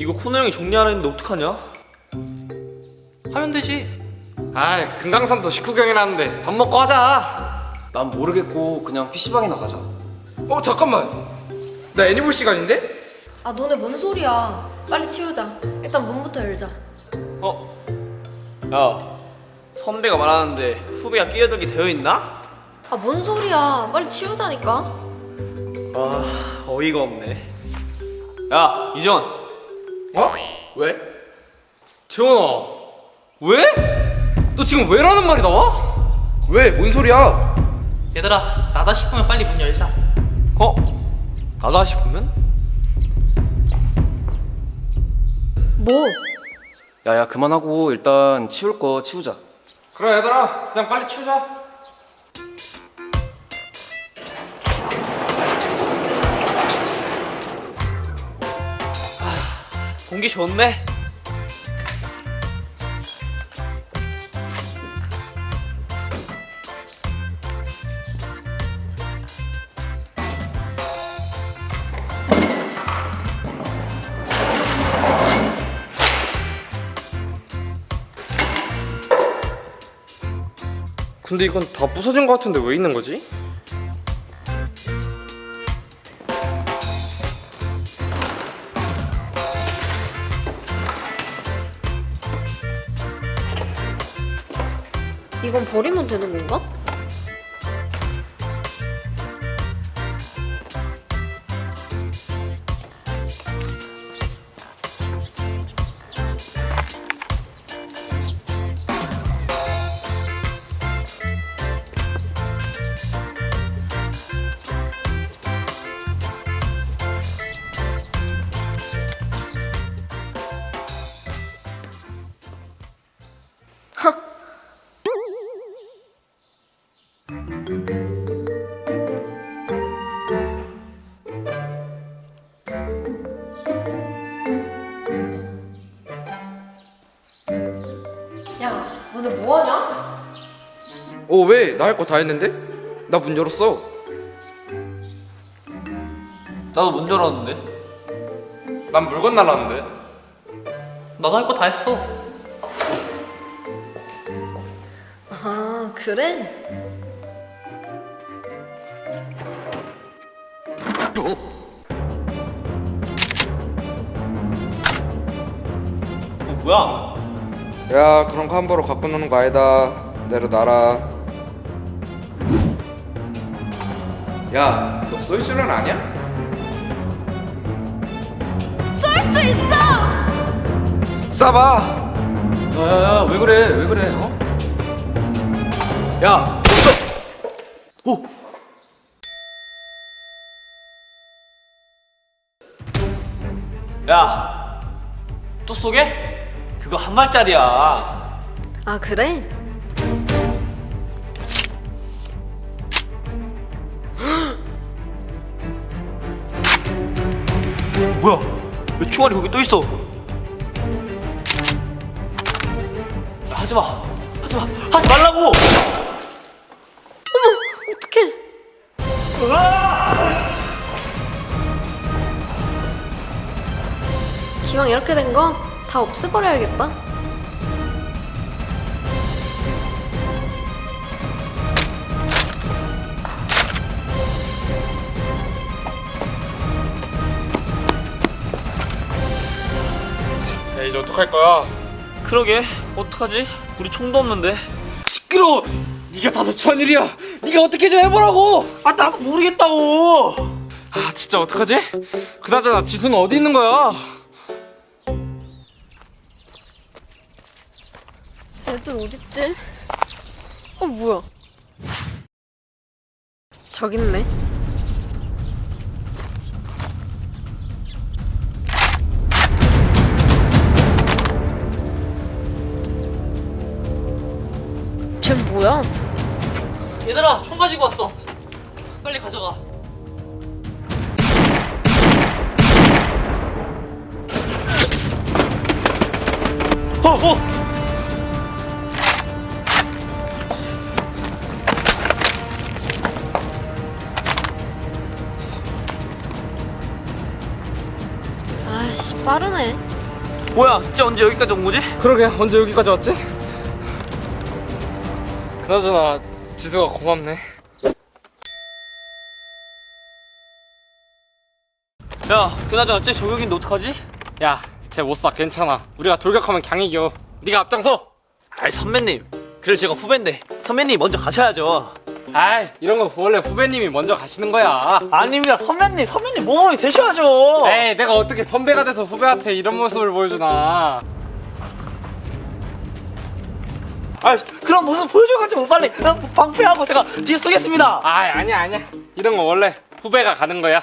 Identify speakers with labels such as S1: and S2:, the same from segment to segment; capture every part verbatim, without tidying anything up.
S1: 이거 코너 형이 정리하라는데 어떡하냐?
S2: 하면 되지. 아이, 금강산도 식후 경이라는데 밥 먹고 하자.
S3: 난 모르겠고 그냥 피시방이나 가자.
S4: 어 잠깐만, 나 애니볼 시간인데?
S5: 아 너네 뭔 소리야. 빨리 치우자. 일단 문부터 열자.
S1: 어? 야, 선배가 말하는데 후배가 끼어들게 되어 있나?
S5: 아 뭔 소리야. 빨리 치우자니까.
S1: 아, 어이가 없네. 야, 이전.
S4: 어? 왜?
S2: 재원아, 왜? 너 지금 왜라는 말이 나와?
S4: 왜? 뭔 소리야?
S6: 얘들아, 나다 싶으면 빨리 문 열자.
S1: 어? 나다 싶으면?
S5: 뭐?
S3: 야야 그만하고 일단 치울 거 치우자.
S2: 그래 얘들아, 그냥 빨리 치우자.
S1: 공기 좋네.
S4: 근데 이건 다 부서진 거 같은데 왜 있는 거지?
S5: 이건 버리면 되는 건가? 야, 너네 뭐하냐?
S4: 어 왜? 나 할 거 다 했는데? 나 문 열었어.
S1: 나도 문 열었는데.
S2: 난 물건 날랐는데.
S6: 나도 할 거 다 했어.
S5: 아 그래?
S1: 어, 뭐야?
S4: 야 그런 거 함부로 갖고 노는 거 아니다. 내려놔라. 야, 너 쏠 줄은 아냐?
S5: 쏠 수 있어!
S4: 쏴봐.
S3: 야야야 왜 그래 왜 그래 어?
S4: 야,
S1: 오! 야, 또 쏘게? 그거 한 발짜리야.
S5: 아 그래?
S1: 뭐야? 왜 총알이 거기 또 있어? 야, 하지 마. 하지 마. 하지 말라고.
S5: 어떡해. 기왕 이렇게 된 거 다 없애버려야겠다.
S2: 야, 이제 어떡할 거야?
S1: 그러게. 어떡하지? 우리 총도 없는데.
S2: 시끄러워. 네가 다 너추한 일이야. 네가 어떻게 좀 해보라고.
S1: 아, 나도 모르겠다고.
S2: 아, 진짜 어떡하지? 그나저나 지수는 어디 있는 거야?
S5: 애들 어딨지? 어 뭐야? 저기 있네. 쟤 뭐야?
S6: 얘들아, 총 가지고 왔어. 빨리 가져가.
S1: 어, 어.
S5: 아이씨 빠르네.
S1: 뭐야, 진짜 언제 여기까지 온 거지?
S2: 그러게 언제 여기까지 왔지? 그나저나 지수가 고맙네.
S1: 야, 그나저나 쟤 저격인데 어떡하지?
S2: 야, 쟤 못 쏴. 괜찮아. 우리가 돌격하면 강 이겨. 네가 앞장서.
S1: 아이, 선배님. 그래, 제가 후배인데 선배님 먼저 가셔야죠.
S2: 아이, 이런 거 원래 후배님이 먼저 가시는 거야.
S1: 아닙니다, 선배님. 선배님 모범이 되셔야죠.
S2: 에이, 내가 어떻게 선배가 돼서 후배한테 이런 모습을 보여주나.
S1: 아, 그럼 무슨 보여줘가지고 빨리 어, 방패하고 제가 뒤에 쏘겠습니다.
S2: 아이, 아니야 아니야. 이런 거 원래 후배가 가는 거야.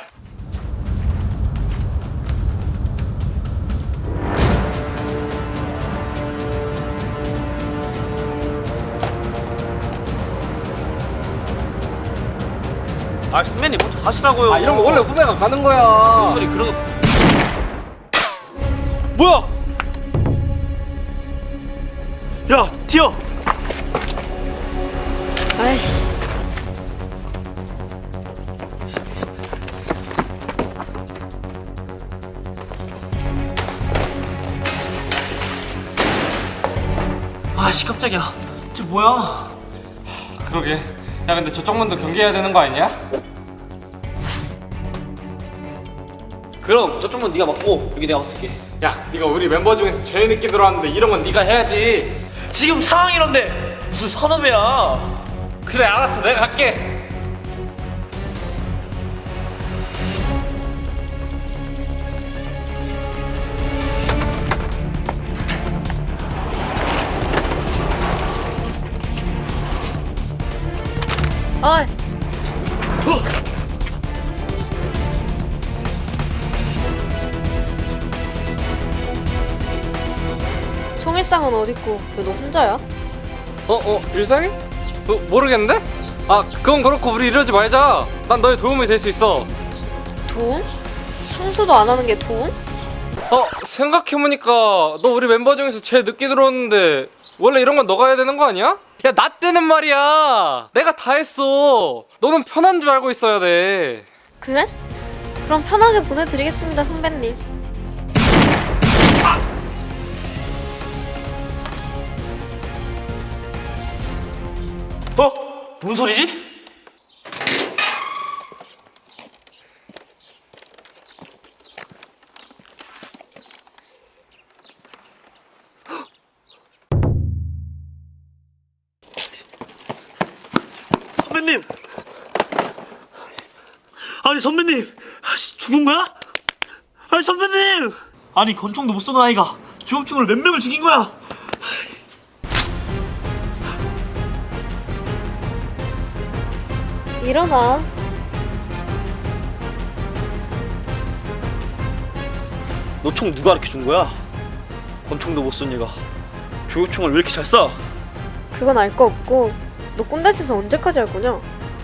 S1: 아, 선배님 먼저 가시라고요.
S2: 아, 이런 거 원래 후배가 가는 거야.
S1: 무슨 소리 그런 거. 뭐야? 야, 튀어.
S5: 아이씨.
S1: 아씨, 깜짝이야. 쟤 뭐야?
S2: 그러게. 야, 근데 저쪽 문도 경계해야 되는 거 아니냐?
S1: 그럼 저쪽은 네가 맡고 여기 내가 맡을게.
S2: 야, 네가 우리 멤버 중에서 제일 늦게 들어왔는데 이런 건 네가 해야지.
S1: 지금 상황 이런데 무슨 선업이야?
S2: 그래, 알았어. 내가 갈게.
S5: 어이. 송일상은 어딨고 왜 너 혼자야?
S2: 어, 어, 일상이? 어, 모르겠는데? 아, 그건 그렇고 우리 이러지 말자. 난 너의 도움이 될 수 있어.
S5: 도움? 청소도 안 하는 게 도움?
S2: 어, 생각해보니까 너 우리 멤버 중에서 제일 늦게 들어왔는데 원래 이런 건 너가 해야 되는 거 아니야? 야, 나 때는 말이야. 내가 다 했어. 너는 편한 줄 알고 있어야 돼.
S5: 그래? 그럼 편하게 보내드리겠습니다, 선배님.
S1: 어? 뭔 소리지? 선배님! 아니, 선배님! 아씨, 죽은 거야? 아니, 선배님! 아니, 권총도 못 쏘는 아이가 조업중으로 몇 명을 죽인 거야?
S5: 일어나.
S1: 너 총 누가 이렇게 준 거야? 권총도 못 쏜 얘가 조격총을 왜 이렇게 잘 쏴?
S5: 그건 알 거 없고 너 꼰대 짓을 언제까지 할 거냐?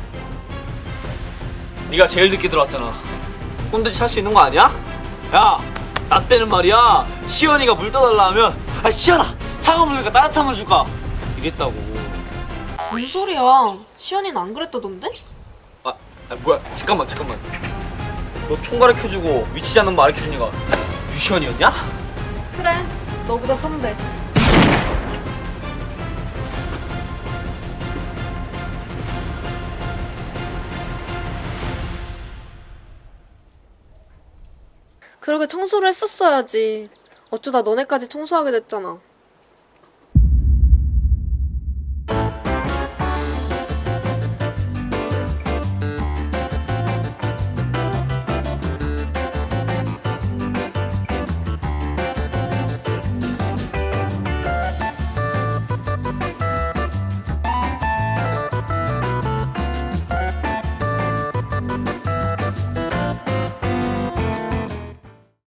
S1: 네가 제일 늦게 들어왔잖아. 꼰대짓 할 수 있는 거 아니야? 야, 나 때는 말이야 시연이가 물 떠달라 하면 아, 시연아 차가운 물 줄까 따뜻한 물 줄까 이랬다고.
S5: 무슨 소리야? 시연이는 안 그랬다던데?
S1: 아, 아 뭐야, 잠깐만 잠깐만. 너 총 가르쳐주고 위치 잡는 거 가르쳐준 애가 유시연이었냐?
S5: 그래, 너보다 선배. 그러게 청소를 했었어야지. 어쩌다 너네까지 청소하게 됐잖아.